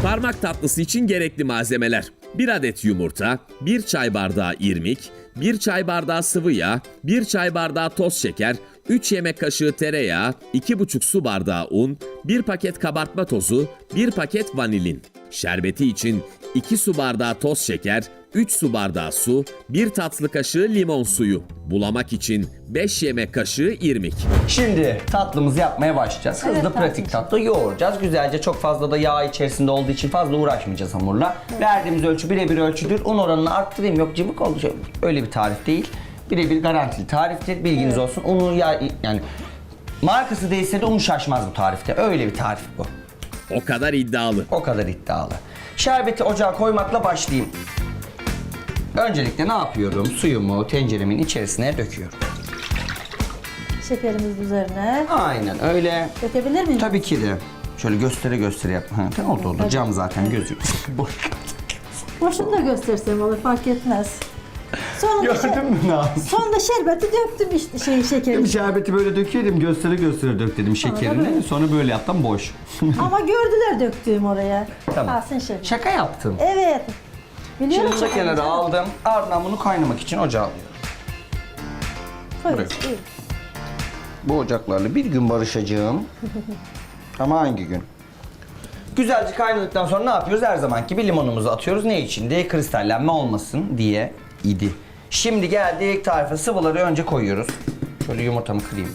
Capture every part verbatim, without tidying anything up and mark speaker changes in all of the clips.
Speaker 1: Parmak tatlısı için gerekli malzemeler: bir adet yumurta, bir çay bardağı irmik, bir çay bardağı sıvı yağ, bir çay bardağı toz şeker, üç yemek kaşığı tereyağı, iki buçuk su bardağı un, bir paket kabartma tozu, bir paket vanilin. Şerbeti için iki su bardağı toz şeker, üç su bardağı su, bir tatlı kaşığı limon suyu. Bulamak için beş yemek kaşığı irmik.
Speaker 2: Şimdi tatlımızı yapmaya başlayacağız. Hızlı,
Speaker 3: Evet,
Speaker 2: pratik tatlı yoğuracağız. Güzelce, çok fazla da yağ içerisinde olduğu için fazla uğraşmayacağız hamurla. Evet. Verdiğimiz ölçü birebir ölçüdür. Un oranını arttırayım, yok cıvık olacak. Öyle bir tarif değil. Birebir garantili tariftir. Bilginiz evet. olsun. Unu ya yani markası değilse de unu şaşmaz bu tarifte. Öyle bir tarif bu.
Speaker 1: O kadar iddialı.
Speaker 2: O kadar iddialı. Şerbeti ocağa koymakla başlayayım. Öncelikle ne yapıyorum? Suyumu tenceremin içerisine döküyorum.
Speaker 3: Şekerimiz üzerine.
Speaker 2: Aynen öyle.
Speaker 3: Dökebilir miyim?
Speaker 2: Tabii ki de. Şöyle göstere göstere yap. Ha, tamam oldu oldu.
Speaker 3: Hadi.
Speaker 2: Cam zaten gözüküyor.
Speaker 3: Boşunu da göstersem olur, fark etmez. Sonra
Speaker 2: Gördün mü Naz?
Speaker 3: Sonra şerbeti döktüm işte şey şekeri.
Speaker 2: Şerbeti böyle döküyorum, göstere göstere dök dedim şekerini.
Speaker 3: böyle.
Speaker 2: Sonra böyle yaptım, boş.
Speaker 3: Ama gördüler döktüğüm oraya.
Speaker 2: Tamam.
Speaker 3: Alsın şefi.
Speaker 2: Şaka yaptım.
Speaker 3: Evet. Biliyorum
Speaker 2: Şimdi bunu
Speaker 3: şakayı
Speaker 2: kenara
Speaker 3: canım.
Speaker 2: aldım. Ardından bunu kaynamak için ocağa alıyorum.
Speaker 3: Koyuyoruz,
Speaker 2: buraya.
Speaker 3: iyi.
Speaker 2: Bu ocaklarla bir gün barışacağım. Ama hangi gün? Güzelce kaynadıktan sonra ne yapıyoruz? Her zamanki gibi limonumuzu atıyoruz. Ne için diye? Kristallenme olmasın diye idi. Şimdi geldik tarife. Sıvıları önce koyuyoruz. Şöyle yumurtamı kırayım.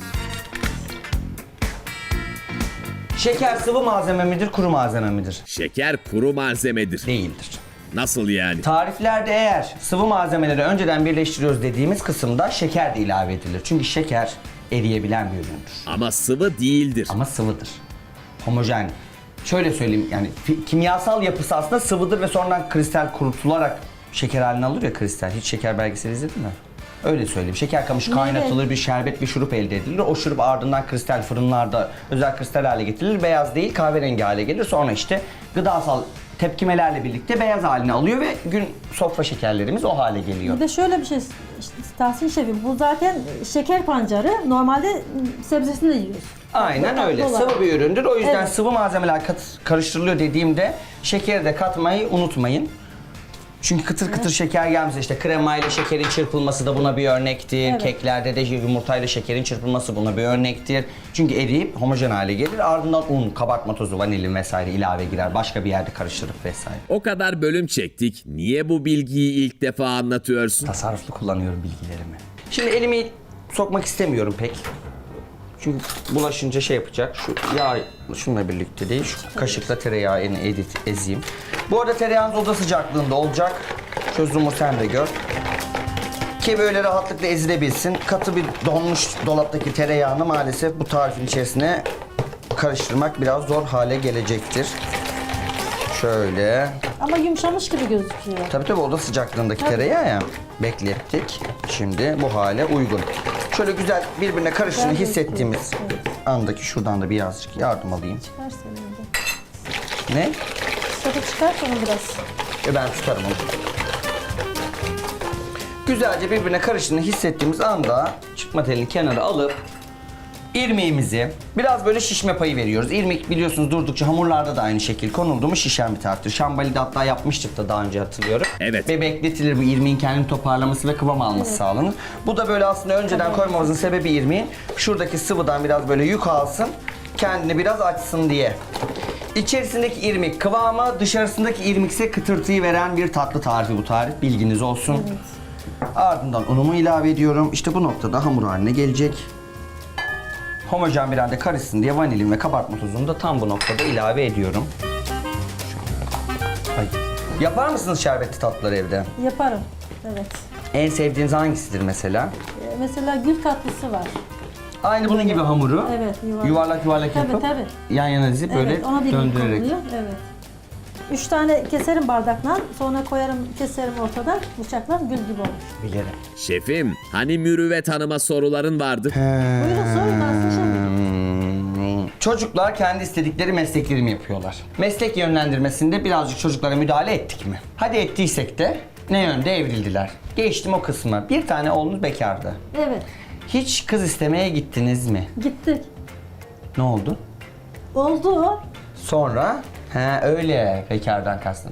Speaker 2: Şeker sıvı malzeme midir, kuru malzeme midir?
Speaker 1: Şeker kuru malzemedir.
Speaker 2: Değildir.
Speaker 1: Nasıl yani?
Speaker 2: Tariflerde eğer sıvı malzemeleri önceden birleştiriyoruz dediğimiz kısımda şeker de ilave edilir. Çünkü şeker eriyebilen bir üründür.
Speaker 1: Ama sıvı değildir.
Speaker 2: Ama sıvıdır. Homojen. Şöyle söyleyeyim, yani fi- kimyasal yapısı aslında sıvıdır ve sonradan kristal kurutularak şeker haline alır ya kristal. Hiç şeker belgeseli izledin mi? Öyle söyleyeyim. Şeker kamışı kaynatılır, bir şerbet, bir şurup elde edilir. O şurup ardından kristal fırınlarda özel kristal hale getirilir. Beyaz değil, kahverengi hale gelir. Sonra işte gıdasal tepkimelerle birlikte beyaz haline alıyor ve gün sofra şekerlerimiz o hale geliyor.
Speaker 3: Bir de şöyle bir şey, işte, Tahsin şefim, bu zaten şeker pancarı, normalde sebzesini de yiyoruz.
Speaker 2: Aynen
Speaker 3: Tatlı
Speaker 2: öyle.
Speaker 3: olarak.
Speaker 2: Sıvı bir üründür. O yüzden
Speaker 3: Evet.
Speaker 2: sıvı malzemeler kat- karıştırılıyor dediğimde şekeri de katmayı unutmayın. Çünkü kıtır kıtır şeker gelmez. İşte kremayla şekerin çırpılması da buna bir örnektir.
Speaker 3: Evet.
Speaker 2: Keklerde de yumurtayla şekerin çırpılması buna bir örnektir. Çünkü eriyip homojen hale gelir. Ardından un, kabartma tozu, vanilin vesaire ilave girer. Başka bir yerde karıştırıp vesaire.
Speaker 1: O kadar bölüm çektik. Niye bu bilgiyi ilk defa anlatıyorsun?
Speaker 2: Tasarruflu kullanıyorum bilgilerimi. Şimdi elimi sokmak istemiyorum pek. Çünkü bulaşınca şey yapacak. Şu yağ şununla birlikte değil. Şu kaşıkla tereyağını edit ezeyim. Bu arada tereyağınız oda sıcaklığında olacak. Çözümü sen de gör. Ki böyle rahatlıkla ezilebilsin. Katı bir donmuş dolaptaki tereyağını maalesef bu tarifin içerisine karıştırmak biraz zor hale gelecektir. Şöyle.
Speaker 3: Ama yumuşamış gibi gözüküyor.
Speaker 2: Tabii tabii oda sıcaklığındaki
Speaker 3: Tabii.
Speaker 2: tereyağı ya. Beklettik. Şimdi bu hale uygun. Şöyle güzel birbirine karıştığını
Speaker 3: Güzel
Speaker 2: hissettiğimiz
Speaker 3: gözüküyor, evet.
Speaker 2: andaki şuradan da birazcık yardım alayım.
Speaker 3: Çıkar senin de.
Speaker 2: Ne?
Speaker 3: Tadı çıkar sonra biraz.
Speaker 2: E ben tutarım onu. Güzelce birbirine karıştığını hissettiğimiz anda çıkma telini kenara alıp irmiğimizi biraz böyle şişme payı veriyoruz. İrmik biliyorsunuz durdukça hamurlarda da aynı şekil konuldu mu şişen bir taraftır. Şambali'de hatta yapmıştık da daha önce hatırlıyorum.
Speaker 1: Evet.
Speaker 2: Ve bekletilir bu irmiğin kendini toparlaması ve kıvam alması
Speaker 3: Evet.
Speaker 2: sağlanır. Bu da böyle aslında önceden koymamızın sebebi irmiğin şuradaki sıvıdan biraz böyle yük alsın, kendini biraz açsın diye. İçerisindeki irmik kıvamı, dışarısındaki irmikse kıtırtıyı veren bir tatlı tarifi bu tarif. Bilginiz olsun.
Speaker 3: Evet.
Speaker 2: Ardından unumu ilave ediyorum. İşte bu noktada hamur haline gelecek. Homojen bir halde karışsın diye vanilin ve kabartma tozunu da tam bu noktada ilave ediyorum. Ay. Yapar mısınız şerbetli tatlıları evde?
Speaker 3: Yaparım. Evet.
Speaker 2: En sevdiğiniz hangisidir mesela?
Speaker 3: Ee, Mesela gül tatlısı var.
Speaker 2: Aynı bunun gibi hamuru
Speaker 3: Evet, yuvarlak.
Speaker 2: yuvarlak yuvarlak
Speaker 3: Tabii,
Speaker 2: yapıp
Speaker 3: tabii.
Speaker 2: yan yana dizip böyle
Speaker 3: Evet, ona bir
Speaker 2: döndürerek.
Speaker 3: konuluyor. Evet. Üç tane keserim bardakla, sonra koyarım, keserim ortadan, bıçakla gül gibi olur.
Speaker 2: Bilirim.
Speaker 1: Şefim, hani Mürüvvet Hanım'a soruların vardı?
Speaker 3: Buyurun sorun Tahsin şefim.
Speaker 2: Hmm. Çocuklar kendi istedikleri meslekleri mi yapıyorlar? Meslek yönlendirmesinde birazcık çocuklara müdahale ettik mi? Hadi ettiysek de ne yönde evrildiler? Geçtim o kısmı. Bir tane oğlunuz bekardı.
Speaker 3: Evet,
Speaker 2: Hiç kız istemeye gittiniz mi?
Speaker 3: gittik.
Speaker 2: Ne oldu?
Speaker 3: Oldu.
Speaker 2: Sonra? He öyle bekardan kastın.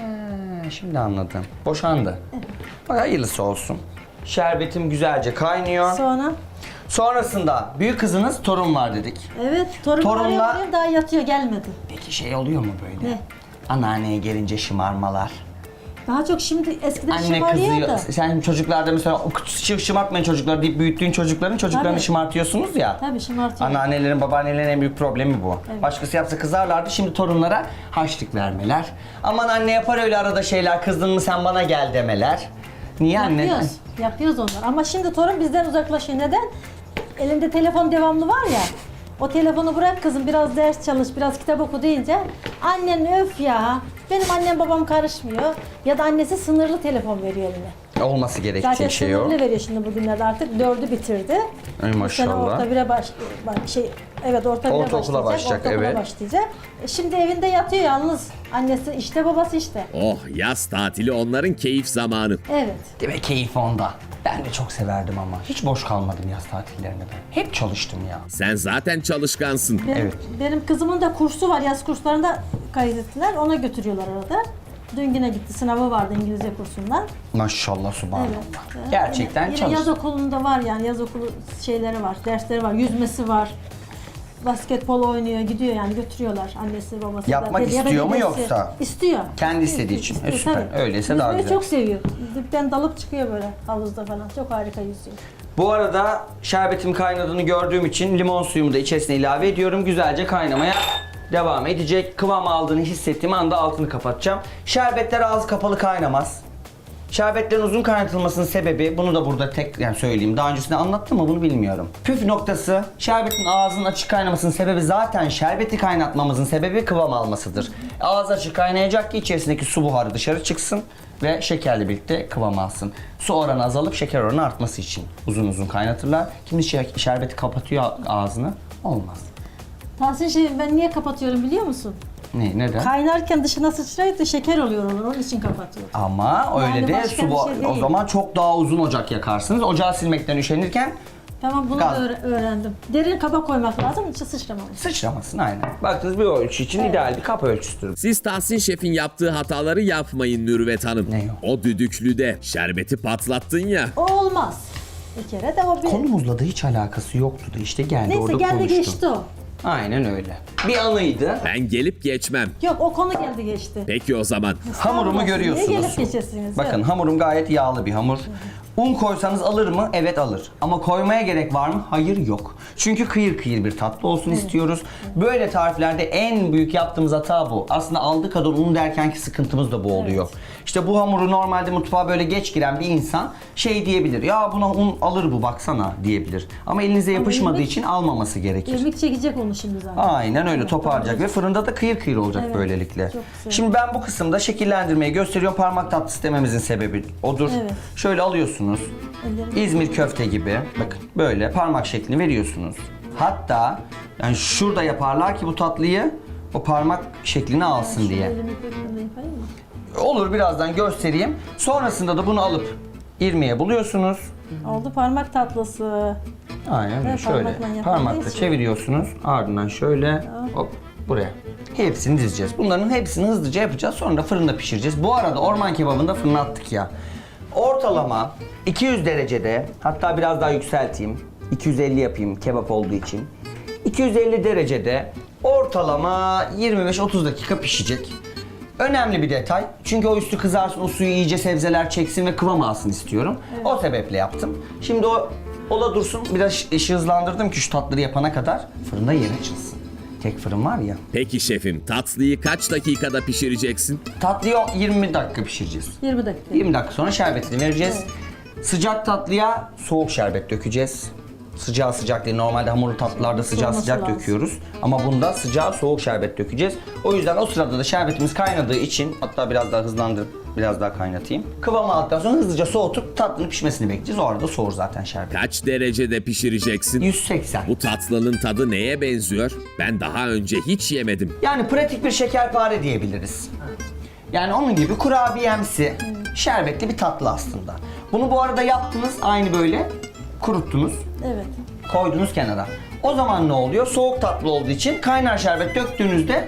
Speaker 2: He şimdi anladım. Boşandı. Bak hayırlısı olsun. Şerbetim güzelce kaynıyor.
Speaker 3: Sonra
Speaker 2: Sonrasında büyük kızınız torun var dedik.
Speaker 3: evet torun
Speaker 2: Torunla-
Speaker 3: arıyor, daha yatıyor gelmedi.
Speaker 2: Peki şey oluyor mu böyle?
Speaker 3: Ne?
Speaker 2: Anneanneye gelince şımarmalar.
Speaker 3: Daha çok şimdi eskiden
Speaker 2: Anne
Speaker 3: şımarıyor
Speaker 2: kızıyor.
Speaker 3: da.
Speaker 2: Sen çocuklarda mesela "Şı- şımartmayın çocuklar deyip büyüttüğün çocukların çocuklarını
Speaker 3: Tabii.
Speaker 2: şımartıyorsunuz ya.
Speaker 3: Tabii şımartıyor.
Speaker 2: Anneannelerin, babaannelerin en büyük problemi bu.
Speaker 3: Evet.
Speaker 2: Başkası yapsa kızarlardı, şimdi torunlara harçlık vermeler. Aman anne yapar öyle arada şeyler, kızdın mı sen bana gel demeler. Niye anne?
Speaker 3: Yapıyoruz. Yapıyoruz onlar. Ama şimdi torun bizden uzaklaşıyor. Neden? Elimde telefon devamlı var ya. O telefonu bırak kızım biraz ders çalış, biraz kitap oku deyince annen öf ya. Benim annem babam karışmıyor. Ya da annesi sınırlı telefon veriyor eline.
Speaker 2: Olması gerektiği
Speaker 3: Zaten
Speaker 2: şey o.
Speaker 3: sınırlı veriyor şimdi bugünlerde artık dördü bitirdi.
Speaker 2: Ay
Speaker 3: Bu sene
Speaker 2: maşallah.
Speaker 3: orta bire baş, bak şey evet orta bire
Speaker 2: Ortaokula
Speaker 3: başlayacak.
Speaker 2: başlayacak,
Speaker 3: ortaokula
Speaker 2: evet.
Speaker 3: başlayacak. E şimdi evinde yatıyor yalnız. Annesi işte babası işte.
Speaker 1: Oh, yaz tatili onların keyif zamanı.
Speaker 3: Evet.
Speaker 2: Değil mi? Keyif onda. Ben de çok severdim ama. Hiç boş kalmadım yaz tatillerinde ben. Hep çalıştım ya.
Speaker 1: Sen zaten çalışkansın.
Speaker 3: Benim,
Speaker 2: Evet.
Speaker 3: benim kızımın da kursu var. Yaz kurslarında kaydettiler. Ona götürüyorlar arada. Dün yine gitti. Sınavı vardı İngilizce kursundan.
Speaker 2: Maşallah subhanallah.
Speaker 3: Evet.
Speaker 2: Gerçekten
Speaker 3: yine, yine
Speaker 2: çalış.
Speaker 3: yaz okulunda var yani. Yaz okulu şeyleri var. Dersleri var. Yüzmesi var. Basketbol oynuyor, gidiyor yani götürüyorlar annesi babası.
Speaker 2: Yapmak
Speaker 3: da. Ya da
Speaker 2: istiyor mu
Speaker 3: dedesi.
Speaker 2: yoksa?
Speaker 3: İstiyor.
Speaker 2: Kendi istediği için. E, süper.
Speaker 3: tabii.
Speaker 2: Öyleyse daha
Speaker 3: Yüzmeyi
Speaker 2: güzel.
Speaker 3: çok seviyor. Dipten dalıp çıkıyor böyle havuzda falan. Çok harika yüzüyor.
Speaker 2: Bu arada şerbetim kaynadığını gördüğüm için limon suyumu da içerisine ilave ediyorum. Güzelce kaynamaya devam edecek. Kıvam aldığını hissettiğim anda altını kapatacağım. Şerbetler ağzı kapalı kaynamaz. Şerbetlerin uzun kaynatılmasının sebebi, bunu da burada tek yani söyleyeyim. Daha öncesinde anlattım mı bunu bilmiyorum. Püf noktası, şerbetin ağzının açık kaynamasının sebebi zaten şerbeti kaynatmamızın sebebi kıvam almasıdır. Ağız açık kaynayacak ki içerisindeki su buharı dışarı çıksın ve şekerle birlikte kıvam alsın. Su oranı azalıp şeker oranı artması için uzun uzun kaynatırlar. Kimi şer- şerbeti kapatıyor ağzını, olmaz.
Speaker 3: Tahsin şey ben niye kapatıyorum biliyor musun?
Speaker 2: Ne, neden?
Speaker 3: Kaynarken dışına sıçrayıp da şeker oluyor onun, onun için kapatıyorum.
Speaker 2: Ama öyle
Speaker 3: Yani
Speaker 2: de
Speaker 3: başka
Speaker 2: su
Speaker 3: bir
Speaker 2: bu-
Speaker 3: şey
Speaker 2: o
Speaker 3: değil.
Speaker 2: zaman çok daha uzun ocak yakarsınız. Ocağı silmekten üşenirken
Speaker 3: Tamam bunu
Speaker 2: Gaz.
Speaker 3: da öğre- öğrendim. Derin kaba koymak lazım, içi sıçramamış.
Speaker 2: sıçramasın aynen. Baktınız bir ölçü için ideal bir kap ölçüsüdür.
Speaker 1: Siz Tahsin Şef'in yaptığı hataları yapmayın Nürvet Hanım.
Speaker 2: Ne
Speaker 1: O düdüklüde şerbeti patlattın ya.
Speaker 3: O olmaz. Bir kere de o bir...
Speaker 2: Konumuzla da hiç alakası yoktu da işte geldi
Speaker 3: Neyse
Speaker 2: orada
Speaker 3: geldi
Speaker 2: konuştu.
Speaker 3: geçti o.
Speaker 2: Aynen öyle. Bir anıydı.
Speaker 1: Ben gelip geçmem.
Speaker 3: Yok o konu geldi geçti.
Speaker 1: Peki o zaman.
Speaker 2: Hamurumu
Speaker 3: Niye
Speaker 2: görüyorsunuz.
Speaker 3: gelip geçesiniz?
Speaker 2: Bakın
Speaker 3: Yok.
Speaker 2: hamurum gayet yağlı bir hamur. Un koysanız alır mı? Evet alır. Ama koymaya gerek var mı? Hayır yok. Çünkü kıyır kıyır bir tatlı olsun istiyoruz. Böyle tariflerde en büyük yaptığımız hata bu. Aslında aldığı kadar un derkenki sıkıntımız da bu oluyor. İşte bu hamuru normalde mutfağa böyle geç giren bir insan şey diyebilir. Ya buna un alır bu baksana diyebilir. Ama elinize yapışmadığı
Speaker 3: irmik-
Speaker 2: için almaması gerekir.
Speaker 3: İrmik çekecek onu şimdi zaten.
Speaker 2: Aynen öyle
Speaker 3: Evet,
Speaker 2: toparlayacak ve fırında da kıyır kıyır olacak
Speaker 3: Evet,
Speaker 2: böylelikle.
Speaker 3: çok güzel.
Speaker 2: Şimdi ben bu kısımda şekillendirmeyi gösteriyorum. Parmak tatlısı dememizin sebebi odur.
Speaker 3: Evet.
Speaker 2: Şöyle alıyorsunuz.
Speaker 3: Ellerim-
Speaker 2: İzmir köfte gibi. Bakın böyle parmak şeklini veriyorsunuz. Hatta yani şurada yaparlar ki bu tatlıyı o parmak şeklini alsın diye.
Speaker 3: Elimi kolumla yapayım mı?
Speaker 2: Olur birazdan göstereyim. Sonrasında da bunu alıp irmiğe buluyorsunuz.
Speaker 3: Oldu parmak tatlısı.
Speaker 2: Aynen öyle
Speaker 3: Evet,
Speaker 2: şöyle
Speaker 3: parmakla yapıldığı
Speaker 2: parmakla
Speaker 3: için.
Speaker 2: çeviriyorsunuz ardından şöyle hop buraya. Hepsini dizeceğiz. Bunların hepsini hızlıca yapacağız sonra da fırında pişireceğiz. Bu arada orman kebabını da fırına attık ya. Ortalama iki yüz derecede hatta biraz daha yükselteyim. iki yüz elli yapayım kebap olduğu için. iki yüz elli derecede ortalama yirmi beş otuz dakika pişecek. Önemli bir detay. Çünkü o üstü kızarsın, o suyu iyice sebzeler çeksin ve kıvam alsın istiyorum. O sebeple yaptım. Şimdi o ola dursun. Biraz işi hızlandırdım ki şu tatları yapana kadar fırında yer açılsın. Tek fırın var ya.
Speaker 1: Peki şefim, tatlıyı kaç dakikada pişireceksin?
Speaker 2: Tatlıyı yirmi dakika pişireceğiz.
Speaker 3: yirmi dakika.
Speaker 2: yirmi dakika sonra şerbetini vereceğiz. Sıcak tatlıya soğuk şerbet dökeceğiz. Sıcağı sıcak değil. Normalde hamurlu tatlılarda sıcağı
Speaker 3: Soğuması
Speaker 2: sıcak
Speaker 3: lazım.
Speaker 2: döküyoruz. Ama bunda sıcağı soğuk şerbet dökeceğiz. O yüzden o sırada da şerbetimiz kaynadığı için hatta biraz daha hızlandırıp biraz daha kaynatayım. Kıvamı aldıktan sonra hızlıca soğutup tatlının pişmesini bekleyeceğiz. O arada soğur zaten şerbet.
Speaker 1: Kaç derecede pişireceksin?
Speaker 2: yüz seksen.
Speaker 1: Bu tatlının tadı neye benziyor? Ben daha önce hiç yemedim.
Speaker 2: Yani pratik bir şekerpare diyebiliriz. Yani onun gibi kurabiyemsi, şerbetli bir tatlı aslında. Bunu bu arada yaptınız aynı böyle kuruttunuz.
Speaker 3: Evet.
Speaker 2: Koydunuz kenara. O zaman ne oluyor? Soğuk tatlı olduğu için kaynar şerbet döktüğünüzde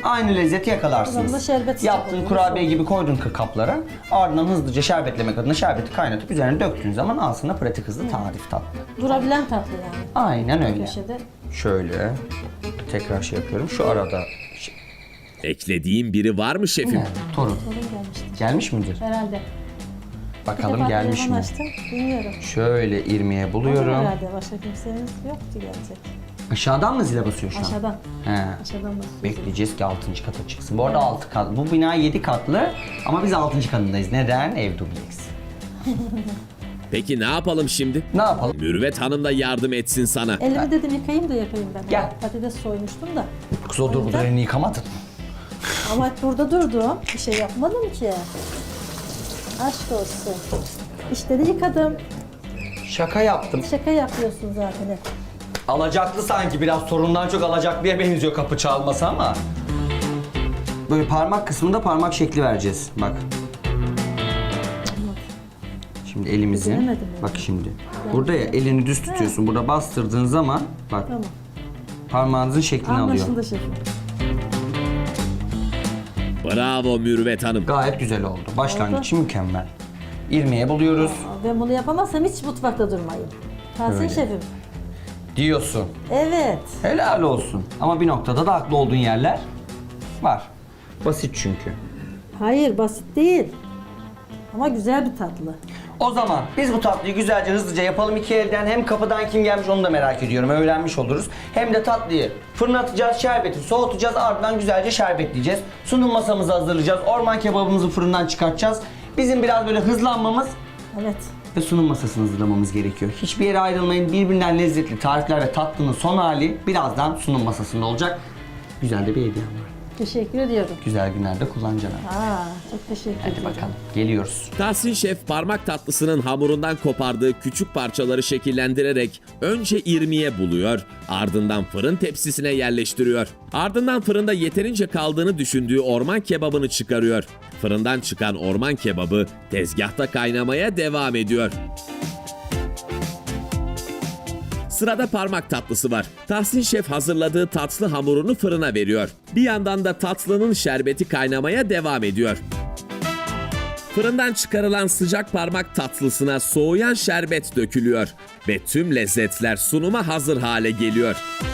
Speaker 2: aynı lezzeti yakalarsınız.
Speaker 3: O zaman da şerbet
Speaker 2: Yaptığın
Speaker 3: sıcak
Speaker 2: kurabiye
Speaker 3: oluyor.
Speaker 2: gibi koydun kaplara. Ardından hızlıca şerbetlemek adına şerbeti kaynatıp üzerine döktüğün zaman aslında pratik hızlı tarif tatlı.
Speaker 3: Durabilen tatlı yani.
Speaker 2: Aynen öyle.
Speaker 3: Köşede.
Speaker 2: Şöyle tekrar şey yapıyorum. Şu arada şey,
Speaker 1: Eklediğin biri var mı şefim?
Speaker 2: yani, torun.
Speaker 3: Sorun gelmişti.
Speaker 2: Gelmiş midir?
Speaker 3: Herhalde. Bir
Speaker 2: Bakalım
Speaker 3: defa
Speaker 2: gelmiş
Speaker 3: telefon
Speaker 2: mi?
Speaker 3: açtım. Bilmiyorum.
Speaker 2: Şöyle irmiğe
Speaker 3: Olur
Speaker 2: buluyorum.
Speaker 3: herhalde. Başka kimseniz yoktu gelecek.
Speaker 2: Aşağıdan mı zile basıyor şu an?
Speaker 3: Aşağıdan.
Speaker 2: He.
Speaker 3: Aşağıdan basıyoruz.
Speaker 2: Bekleyeceğiz ki altıncı kata çıksın. Bu arada altı kat. Bu bina yedi katlı ama biz altıncı katındayız. Neden? Ev dubleks.
Speaker 1: Peki ne yapalım şimdi?
Speaker 2: Ne yapalım?
Speaker 1: Mürüvvet Hanım da yardım etsin sana.
Speaker 3: Elimi dedim yıkayayım da yapayım ben.
Speaker 2: Gel.
Speaker 3: Patates soymuştum da.
Speaker 2: Kız o dur, bu da elini yıkamadın.
Speaker 3: Ama burada durdum. Bir şey yapmadım ki. Aşk olsun. İşte de yıkadım.
Speaker 2: Şaka yaptım.
Speaker 3: Şaka yapıyorsun zaten hep.
Speaker 2: Alacaklı sanki, biraz sorundan çok alacaklıya benziyor kapı çalması ama. Böyle parmak kısmında parmak şekli vereceğiz. Bak. Şimdi elimizin,
Speaker 3: Beceremedim
Speaker 2: bak şimdi. Burada ya elini düz tutuyorsun. Burada bastırdığın zaman bak
Speaker 3: Tamam.
Speaker 2: parmağınızın şeklini alıyor.
Speaker 3: Anlaşıldı şefim.
Speaker 1: Bravo Mürüvvet Hanım.
Speaker 2: Gayet güzel oldu. Başlangıç için mükemmel. İrmiğe buluyoruz.
Speaker 3: Ben bunu yapamazsam hiç mutfakta durmayayım. Tahsin
Speaker 2: Öyle.
Speaker 3: şefim.
Speaker 2: Diyorsun.
Speaker 3: Evet.
Speaker 2: Helal olsun. Ama bir noktada da haklı olduğun yerler var. Basit çünkü.
Speaker 3: Hayır basit değil. Ama güzel bir tatlı.
Speaker 2: O zaman biz bu tatlıyı güzelce hızlıca yapalım iki elden. Hem kapıdan kim gelmiş onu da merak ediyorum. Öğrenmiş oluruz. Hem de tatlıyı fırına atacağız, şerbeti soğutacağız. Ardından güzelce şerbetleyeceğiz. Sunum masamızı hazırlayacağız. Orman kebabımızı fırından çıkartacağız. Bizim biraz böyle hızlanmamız
Speaker 3: Evet.
Speaker 2: ve sunum masasını hazırlamamız gerekiyor. Hiçbir yere ayrılmayın. Birbirinden lezzetli tarifler ve tatlının son hali birazdan sunum masasında olacak. Güzel de bir hediyem var.
Speaker 3: Teşekkür ediyorum.
Speaker 2: Güzel günlerde kullanacaksın.
Speaker 3: Aa, çok teşekkür
Speaker 2: Hadi
Speaker 3: ederim.
Speaker 2: bakalım. Geliyoruz.
Speaker 1: Tahsin Şef parmak tatlısının hamurundan kopardığı küçük parçaları şekillendirerek önce irmiğe buluyor, ardından fırın tepsisine yerleştiriyor. Ardından fırında yeterince kaldığını düşündüğü orman kebabını çıkarıyor. Fırından çıkan orman kebabı tezgahta kaynamaya devam ediyor. Sırada parmak tatlısı var. Tahsin Şef hazırladığı tatlı hamurunu fırına veriyor. Bir yandan da tatlının şerbeti kaynamaya devam ediyor. Fırından çıkarılan sıcak parmak tatlısına soğuyan şerbet dökülüyor ve tüm lezzetler sunuma hazır hale geliyor.